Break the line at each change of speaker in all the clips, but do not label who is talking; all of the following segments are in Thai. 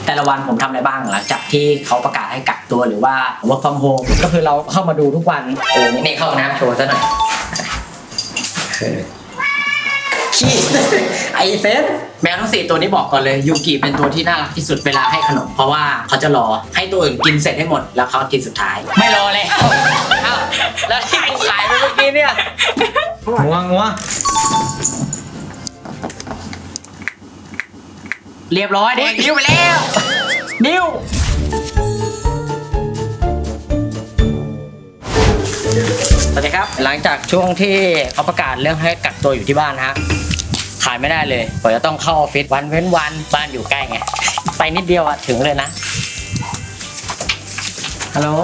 แต่ละวันผมทำอะไรบ้างหลังจากที่เขาประกาศให้กักตัวหรือว่า work from home ก็คือเราเข้ามาดูทุกวันนี่เข้าน้ำโชว์ซะหน่อยขี้ไอเฟสแมวทั้ง4ตัวนี้บอกก่อนเลยยูกิเป็นตัวที่น่ารักที่สุดเวลาให้ขนมเพราะว่าเขาจะรอให้ตัวอื่นกินเสร็จให้หมดแล้วเขากินสุดท้ายไม่รอเลยแล้วที่กูขายไปเมื่อกี้เนี่ยงัวเรียบร้อยดินิ้วไปแล้วนิ้วสวัสดีครับหลังจากช่วงที่เขาประกาศเรื่องให้กักตัวอยู่ที่บ้านฮะขายไม่ได้เลยผมจะต้องเข้าออฟฟิศวันเว้นวันบ้านอยู่ใกล้ไงไปนิดเดียวอะถึงเลยนะฮัลโหล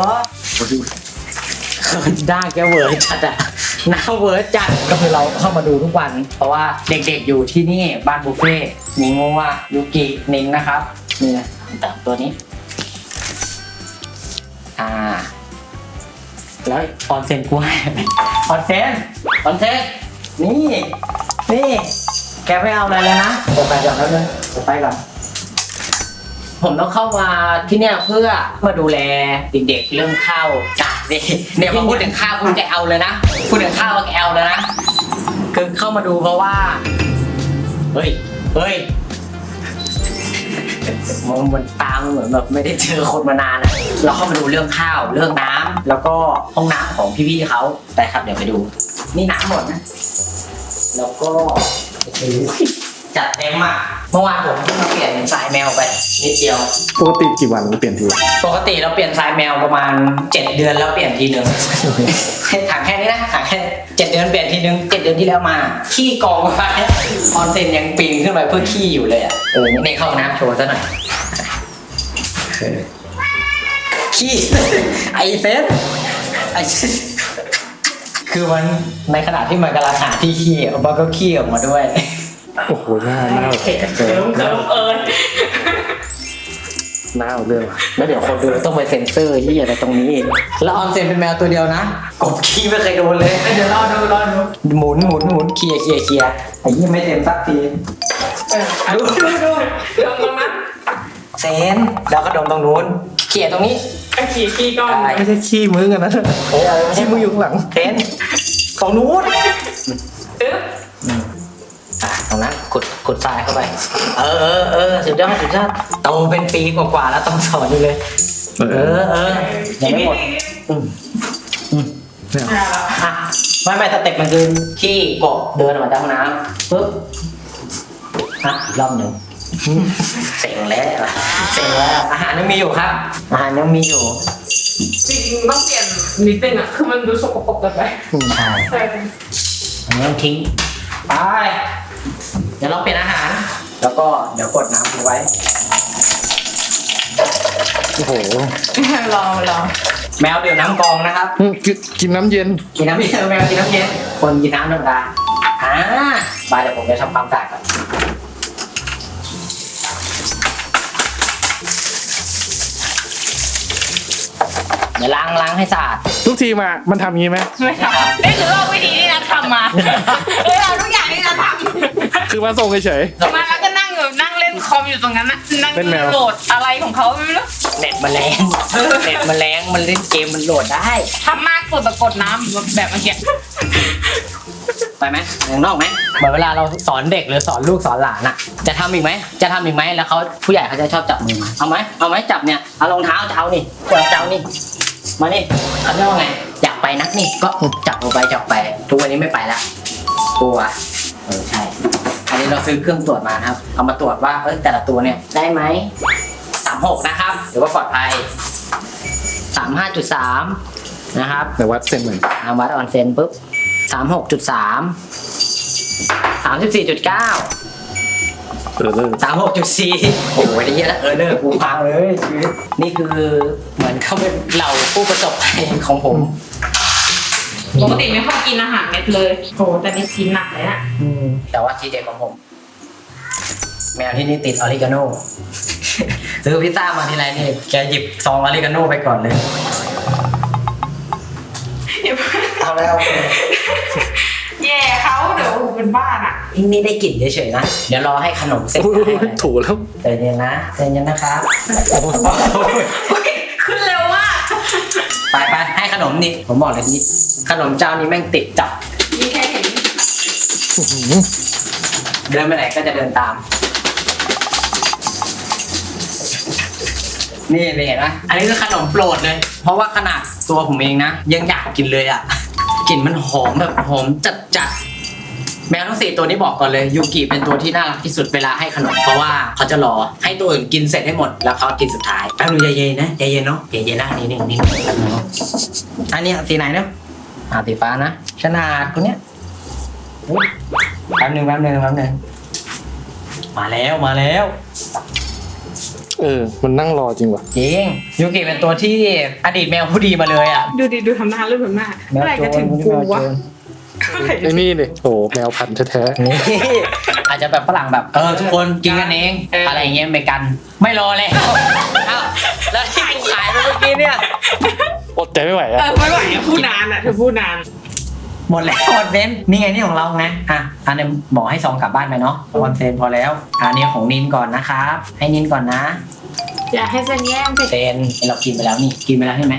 ด้าแกเวอร์จัดอะหน้าเวอร์จัดก็คือเราเข้ามาดูทุกวันเพราะว่าเด็กๆอยู่ที่นี่บ้านบุฟเฟ่มีงูว่ายูกินินนะครับนี่นะแต่ตัวนี้แล้วออนเซนกูให้ออนเซนนี่แกไม่เอาอะไรเลยนะผมไปก่อนแล้วเลยผมไปก่อนผมต้องเข้ามาที่เนี่ยเพื่อมาดูแลเด็กๆเรื่องข้าวจัดเนี่ยพอพูดถึงข้าวคุณแกเอาเลยนะพูดถึงข้าวแกเอาเลยนะคือเข้ามาดูเพราะว่าเฮ้ยมันตามเหมือนแบบไม่ได้เจอคนมานานนะเราเข้ามาดูเรื่องข้าวเรื่องน้ำแล้วก็ห้องน้ำของพี่ๆเขาไปครับเดี๋ยวไปดูนี่น้ำหมดนะแล้วก็จัดเต็มอ่ะเมื่อวานผมเพิ่งมาเปลี่ยนสายแมวไปนิดเดียว
ปกติกี่วันเปลี่ยนที
ปกติเราเปลี่ยนสายแมวประมาณ7เดือนแล้วเปลี่ยนทีนึงถามแค่นี้นะถามแค่7เดือนเปลี่ยนทีนึง7เดือนที่แล้วมาขี้กองไปออนเซนยังปีนขึ้นไปเพื่อขี้อยู่เลยอ่ะนี่เข้าน้ำโชว์ซะหน่อยขี้ไอเฟสคือมันในขณะที่มันกำลังหาที่ขี้มันก็ขี้ออกมาด้วย
โอ้โหหน้า
เรื่องแล้วเดี๋ยวคนดูต้องไปเซ็นเซอร์ที่อะไรตรงนี้แล้วออนเซนเป็นแมวตัวเดียวนะกบขี้ไม่เคยโดนเลยเดี๋ยวรอดูหมุนเคลียร์ไอ้ยี่ไม่เต็มสักทีดูลงมาเซนแล้วก็ดมตรงนู้นเคลียร์ตรงนี้
ขี้ก้อนไม่ใช่ขี้มือกันนะขี้มืออยู่ข้างหลัง
เซนตรงนู้นตรงนั้นขุดทรายเข้าไปสุดยอดโตเป็นปีกว่าแล้วต้องสอนอยู่เลยยังไม่หมดไม่สเต็ปมันคือขี้กบเดินออกมาจากห้องน้ำปึ๊บอีกรอบหนึ่งเซ็งแล้วอาหารยังมีอยู่ครับอาหารยังมีอยู่
จริงต้องเปลี่ยนนิดนึงอ่ะคือมันดูสกปรกเกินไป
ใช่อันนี้ทิ้งไปเดี๋ยวเราเปลี่ยนอาหารแล้วก็เดี๋ยวกดน้ำทิ้งไว้
โอ้โห
รอ
แมวดื่มน้ำกองนะครับ
กินน้ำเย็น
แมวกินน้ำเย็นคนกินน้ำธรรมดาบายเดี๋ยวผมจะทำความสะอาดก่อนเดี๋ยวล้างให้สะอาด
ทุกทีมันทำงี้ไหม
ไม่ทำนี่คือว่าวิธีที่นัททำมาเราทุกอย่างที่นัททำ
คือมาส่งเฉย
มาแล้วก็นั่งเล่นคอมอยู่ตรงนั้นนะนั่งโหลดอะไรของเขาไม่รู้
เน็ตมันแรงมันเล่นเกมมันโหลดได้
ทำมากสุดแบบกดน้ำแบบเมื่อกี้
ไปไหมอย่างนอกไหมเหมือนเวลาเราสอนเด็กหรือสอนลูกสอนหลานอะจะทำอีกไหมแล้วเขาผู้ใหญ่เขาจะชอบจับมือมาเอาไหมจับเนี่ยเอารองเท้าเจ้านี่มานี่เขาเรียกว่าไงอยากไปนักนี่ก็จับลงไปจับไปทุกวันนี้ไม่ไปละกลัวใช่อันนี้เราซื้อเครื่องตรวจมานะครับเอามาตรวจว่าแต่ละตัวเนี่ยได้ไหม36นะครับหรือว่าปลอดภัย35.3นะครับ
แต่วัดเซนเหมือน
วัดออนเซนปุ๊บ36.3 34.9 36.4 โอ้โหได้เยอะแล้วเลิกกูพังเลยชีวิตนี่คือเหมือนเขาเป็นเหล่าผู้ประสบภัยของผม
ปกติไม่ค่อยกินอาหารเม็ดเลยโหแต่นี่กินหนักเลยนะ
แต่ว่าทีเด็ดของผมแมวที่นี่ติดออริกาโน่ซื้อพิซซ่ามาทีไรนี่แกหยิบซองออริกาโน่ไปก่อนเลยเอาแล้ว
หแย่เขาเดี๋ยวเป็นบ้านอ่ะ
นี่ได้กลิ่นเฉยๆนะเดี๋ยวรอให้ขนมเสร็จ
ถูแล้ว
ใจเย็นนะใจเย็นนะครับ
ขึ้นเร็วมาก
ไปให้ขนมนี่ผมบอกเลยนี่ขนมเจ้านี้แม่งติดจับ
มีแค่เห็น
เดินไปไหนก็จะเดินตาม นี่เห็นไหมอันนี้คือขนมโปรดเลย เพราะว่าขนาดตัวผมเองนะยังอยากกินเลยอ่ะกลิ่นมันหอมแบบหอมจัดแมวทั้ง4ตัวนี้บอกก่อนเลยยูกิเป็นตัวที่น่ารักที่สุดเวลาให้ขนมเพราะว่าเขาจะรอให้ตัวอื่นกินเสร็จให้หมดแล้วเขากินสุดท้ายแป๊บนึงใจเย็นนะใจเย็นเนาะใจเย็นนะนี่แป๊บนึงเนาะอันนี้สีไหนเนาะสีฟ้านะขนาดตัวเนี้ยอุ๊ยแป๊บนึงมาแล้ว
มันนั่งรอจริงว่ะ
จริงยูกิเป็นตัวที่อดีตแมวผู้ดีมาเลยอ่ะ
ดูดิดูทำหน้ารูปทำหน้าเมื่อไหร่จะถึงกูวะเมื่อไหร่จะ
ไอ้นี่เลยโอ้แมวพันธุ์แท้
นี่อาจจะแบบฝรั่งแบบทุกคนกินกันเองอะไรอย่างเงี้ยไม่กันไม่รอเลยอ้าวแล้วที่กูขายไปเมื่อกี้เนี่ย
ๆอดใจไม่ไหวอะ
ไม่ไหวอะพูดนานอะเธอพูดนาน
หมดแล้วคอนเซนต์นี่ไงนี่ของเราไงอันนี้หมอให้ซองกลับบ้านไปเนาะคอนเซนต์พอแล้วอันนี้ของนินก่อนนะครับให้นินก่อนนะ
อย่าให้เซนแย่งไป
เซนเรากินไปแล้วนี่กินไปแล้วใช่ไหม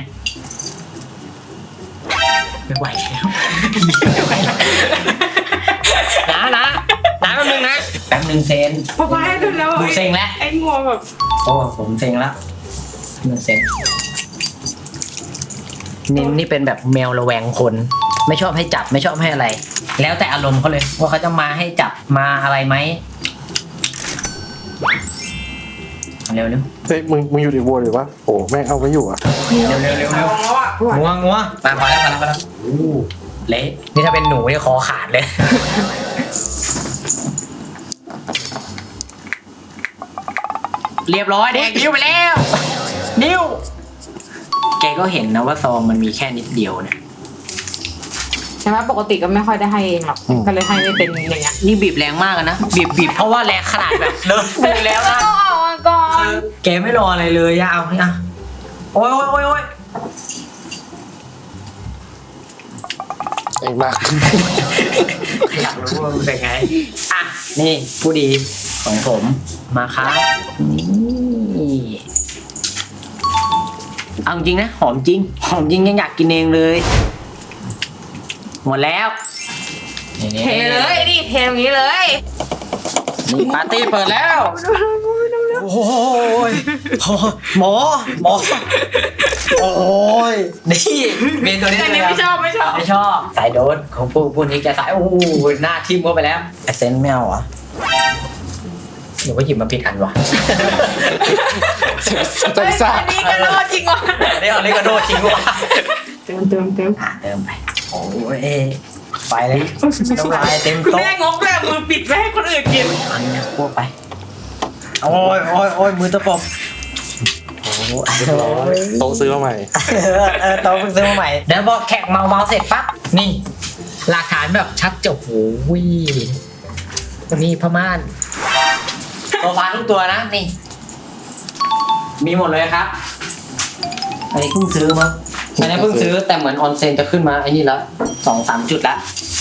ไม่ไหวแล้วไม่ไหวแล้วนะแป๊บนึงนะแป๊บนึงเซน
พอไปให้ดูแล้ว
ดูเซ็งแล้ว
ไอ้งัวแบบ
โอ้ผมเซ็งแล้วมันเซ็งนี่เป็นแบบแมวระแวงคนไม่ชอบให้จับไม่ชอบให้อะไร แล้วแต่อารมณ์เขาเลยว่าเขาจะมาให้จับมาอะไรไหมเร็ว
เฮ้ยมึงอยู่ในวัวหรือวะโอ้แม่งเอาไว้อยู่อ่ะ
เร็ว
แล้วอะ
งัวมาพอแล้วเละนี่ถ้าเป็นหนูเนี่ยคอขาดเลย เรียบร้อยแดกนิ้วไปแล้วนิ้วแกก็เห็นนะว่าซองมันมีแค่นิดเดียวเนี่ย
ใช่ไหมปกติก็ไม่ค่อยได้ให้เองหรอกก็เลยให้ไม่เป็นอย่างเงี้ย
นี่บีบแรงมากอะนะบีบเพราะว่าแรงขนาดแบบเลิกมือแล้วนะ
ต้องออกมาก่อน
แกไม่รออะไรเลยอะเอาอ่ะโอ้ย
เองมาก
อยากรู้ว่ามันเป็นไงอ่ะนี่ผู้ดีของผมมาครับนี่เอาจริงนะหอมจริงยังอยากกินเองเลยหมดแล้ว
เทเลยดิเทตรงนี้เลย
นี่ปาร์ตี้เปิดแล้วโอ้ยหมอโอ้ยนี่เมนตัวนี้
อันนี้
เลย
ไม่ชอบ
ไม่ชอบสายโดนของพวกนี้จะสายโอ้ยหน้าทิ่มเข้าไปแล้วไอเซนไม่เอาเหรอหรือว่าหยิบมาผิดอันวะ
ใจซ่า
อันนี้ก็โดนจริงวะ
นี่เอาเลกาโดทิ้งวะ
เติม
เติมไปโอ้ยไปเลยน้ำลายเต็ม
คุณ
โต๊ะ
แม่งกแบบมือปิดไม่ให้คนอื่นกิน
อันนี้พวกไปโอ้ยมือตะปบโอ้ย
โตะซื้อมาใหม่
โต๊ะเพิ่งซื้อมาใหม่เดี๋ยวพอแขกเมาเสร็จปั๊บนี่หลักฐานแบบชัดเจนโอ้ยนี่พม่านโซฟาทุกตัวนะนี่มีหมดเลยครับอันนี้เพิ่งซื้อมั้งอันนี้เพิ่งซื้อแต่เหมือนออนเซ็นจะขึ้นมาไอ้นี่แล้ว2-3 จุดละ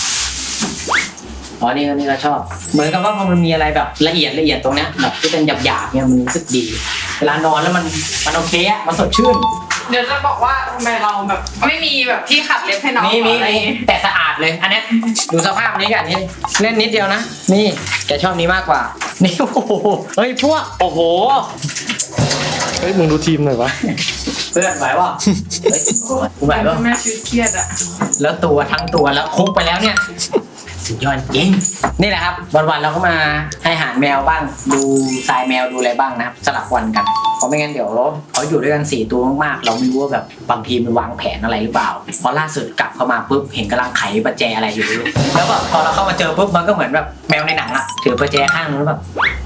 อ๋อนี่ก็ชอบ เหมือนกับว่าพอมันมีอะไรแบบละเอียดตรงเนี้ยแบบที่เป็นหยาบๆเนี่ยมันรู้สึกดี เวลานอนแล้วมันโอเคอะมันสดชื่น
เดี๋ยวจะบอกว่าทำไมเราแบบไม่มีแบบที่ขัดเล็บให้น้อง
มี
อะไร
แต่สะอาดเลย อันเนี้ยดูสภาพนี้กันนี่เล่นนิดเดียวนะนี่แกชอบนี้มากกว่านี่โอ้โหเฮ้ยพวกโอ้โห
เฮ้ยมึงดูทีมหน่อยวะ
เพื่อนไหวป่ะเฮ้ยกูไหวป่ะ
แม่ชีวิตเครียดอะ
แล้วตัวทั้งตัวแล้วคุกไปแล้วเนี่ยสุดยอดจริงนี่แหละครับวันๆเราก็มาให้อาหารแมวบ้างดูทรายแมวดูอะไรบ้างนะครับสลับวันกันเพราะไม่งั้นเดี๋ยวเขาอยู่ด้วยกัน4 ตัวมากๆเราไม่รู้ว่าแบบบางทีมันวางแผนอะไรหรือเปล่าพอล่าสุดกลับเข้ามาปุ๊บเห็นกำลังไขประแจอะไรอยู่แล้วแบบพอเราเข้ามาเจอปุ๊บมันก็เหมือนแบบแมวในหนังอะถือประแจข้างนึงแล้วแบบ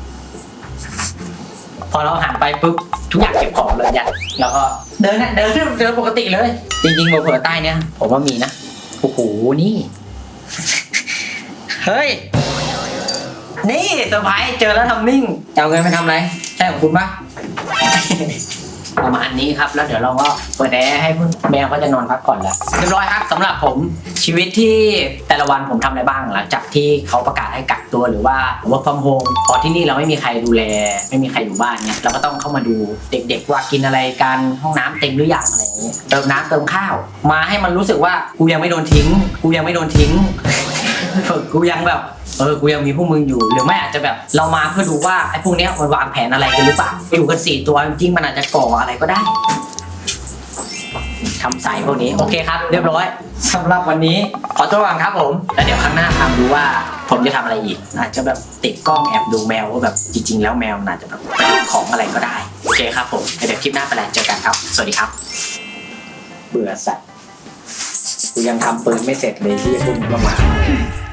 พอเราหันไปปุ๊บทุกอย่างเก็บของเลยยัดแล้วก็เดินปกติเลยจริงๆเผื่อใต้เนี่ยผมว่ามีนะโอ้โหนี่เฮ้ย นี่เซอร์ไพรส์เจอแล้วทำนิ่งจะเอาเงินไปทำอะไร ใช่ของคุณปะประมาณนี้ครับแล้วเดี๋ยวเราก็เปิดแอร์ให้แมวก็จะนอนพักก่อนแล้วเรียบร้อยครับสำหรับผมชีวิตที่แต่ละวันผมทำอะไรบ้างหลังจากที่เขาประกาศให้กักตัวหรือว่า work from home พอที่นี่เราไม่มีใครดูแลไม่มีใครอยู่บ้านเนี่ยเราก็ต้องเข้ามาดูเด็กๆว่ากินอะไรกันห้องน้ำเต็มหรือยังอะไรอย่างนี้เติมน้ำเติมข้าวมาให้มันรู้สึกว่ากูยังไม่โดนทิ้งกูยังไม่โดนทิ้ง กูยังแบบกูยังมีพวกมึงอยู่หรือไม่อาจจะแบบเรามาเพื่อดูว่าไอ้พวกเนี้ยมันวางแผนอะไรกันหรือเปล่าอยู่กัน4ตัวจริงๆมันอาจจะก่ออะไรก็ได้ทำสายพวกนี้โอเคครับเรียบร้อยสำหรับวันนี้ขอตัวก่อนครับผมแล้วเดี๋ยวครั้งหน้าทำดูว่าผมจะทำอะไรอีกอาจจะแบบติดกล้องแอบดูแมวว่าแบบจริงๆแล้วแมวอาจจะแบบไปดูของอะไรก็ได้โอเคครับผมเดี๋ยวคลิปหน้าไปแล้วเจอกันครับสวัสดีครับเบื่อสัตว์กูยังทำปืนไม่เสร็จเลยที่จะพูดมึงก็มา